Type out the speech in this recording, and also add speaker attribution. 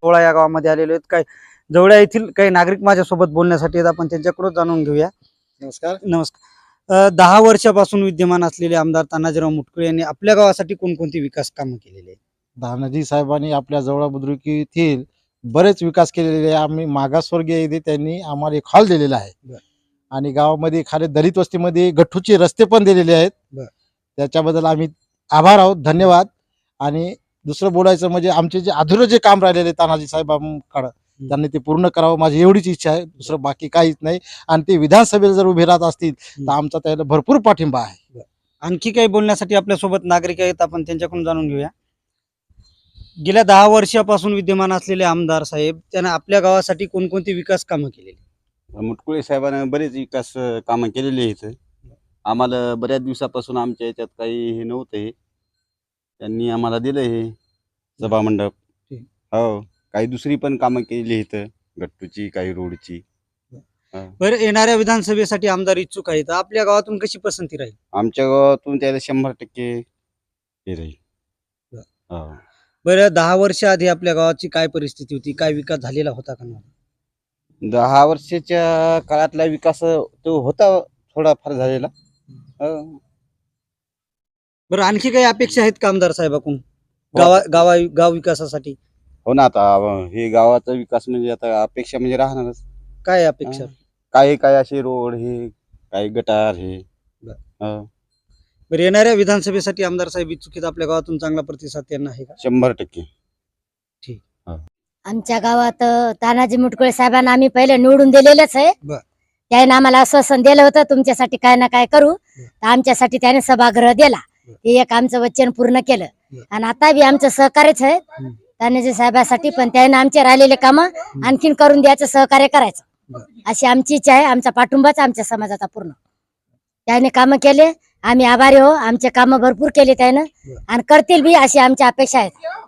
Speaker 1: 16 या गावामध्ये आलेलो आहेत. काय जवळ्या येथील काही नागरिक माझ्यासोबत बोलण्यासाठी आहेत. आपण त्यांच्याकडून जाणून घेऊया.
Speaker 2: नमस्कार.
Speaker 1: नमस्कार. 10 वर्षापासून विद्यमान असलेले आमदार तानाजीराव मुटकुळे यांनी आपल्या गावासाठी कोणकोणती विकास कामं केलेली आहेत?
Speaker 2: धानाजी साहेबांनी आपल्या जवळ बुद्रुक येथील बरेच विकास केलेले आहे. आम्ही मागासवर्गीय येथे त्यांनी आम्हाला एक हॉल दिलेला आहे आणि गावामध्ये खाली दलित वस्तीमध्ये गठ्ठूचे रस्ते पण दिलेले आहेत. त्याच्याबद्दल आम्ही आभार आहोत, धन्यवाद. आणि दुसरं बोलायचं म्हणजे आमचे जे अधुरं जे काम राहिलेले तानाजी साहेबांकडं त्यांनी ते पूर्ण करावं, माझी एवढीच इच्छा आहे, दुसरं बाकी काहीच नाही. आणि ते विधानसभेला जर उभे राहत असतील तर आमचा त्याला भरपूर पाठिंबा आहे.
Speaker 1: आणखी काही बोलण्यासाठी आपल्यासोबत नागरिक आहेत, आपण त्यांच्याकडून जाणून घेऊया. गेल्या 10 वर्षापासून विद्यमान असलेले आमदार साहेब त्यांना आपल्या गावासाठी कोणकोणती विकास कामं केलेली?
Speaker 3: मुटकुळे साहेबांनी बरेच विकास कामं केलेली आहेत. आम्हाला बऱ्याच दिवसापासून आमच्या याच्यात काही हे नव्हतं, हे त्यांनी आम्हाला दिलं हे सभामंडप. हो, काही दुसरी पण कामं केलेली आहेत, गट्टूची, काही रोडची.
Speaker 1: बरं, येणाऱ्या विधानसभेसाठी आमदार इच्छुक आहेत, आपल्या गावातून कशी पसंती राहील?
Speaker 3: आमच्या गावातून त्याला 100% हे राहील. हो.
Speaker 1: बरं, 10 वर्ष आधी आपल्या गावाची काय परिस्थिती होती, काय विकास झालेला होता का नाही?
Speaker 3: 10 वर्षाच्या काळातला विकास तो होता, थोडाफार झालेला. हो.
Speaker 1: बरं, आणखी काही अपेक्षा आहेत का आमदार साहेबाकडून गाव विकासासाठी?
Speaker 3: हो ना, आता हे गावाचा विकास म्हणजे आता अपेक्षा म्हणजे राहणारच.
Speaker 1: काय अपेक्षा?
Speaker 3: काही काही असे रोड, हे काही गटार, हे. हो.
Speaker 1: बरं, येणाऱ्या विधानसभेसाठी आमदार साहेब इच्छुक आहेत, आपल्या गावातून चांगला प्रतिसाद त्यांना आहे का?
Speaker 3: 100%.
Speaker 1: ठीक.
Speaker 4: आमच्या गावात तानाजी मुटकुळे साहेबांना आम्ही पहिले निवडून दिलेलंच आहे. त्याने आम्हाला आश्वासन दिलं होतं तुमच्यासाठी काय ना काय करू, तर आमच्यासाठी त्याने सभागृह दिला. हे एक आमचं वचन पूर्ण केलं. आणि आता बी आमचं सहकार्यच आहे तानाजी साहेबांसाठी, पण त्याने आमचे राहिलेले काम आणखीन करून द्यायचं, सहकार्य करायचं अशी आमची इच्छा आहे. आमचा पाठिंबाच आमच्या समाजाचा पूर्ण. त्याने काम केले, आम्ही आभारी हो. आमचे काम भरपूर केले त्यानं आणि करतील बी अशी आमची अपेक्षा आहे.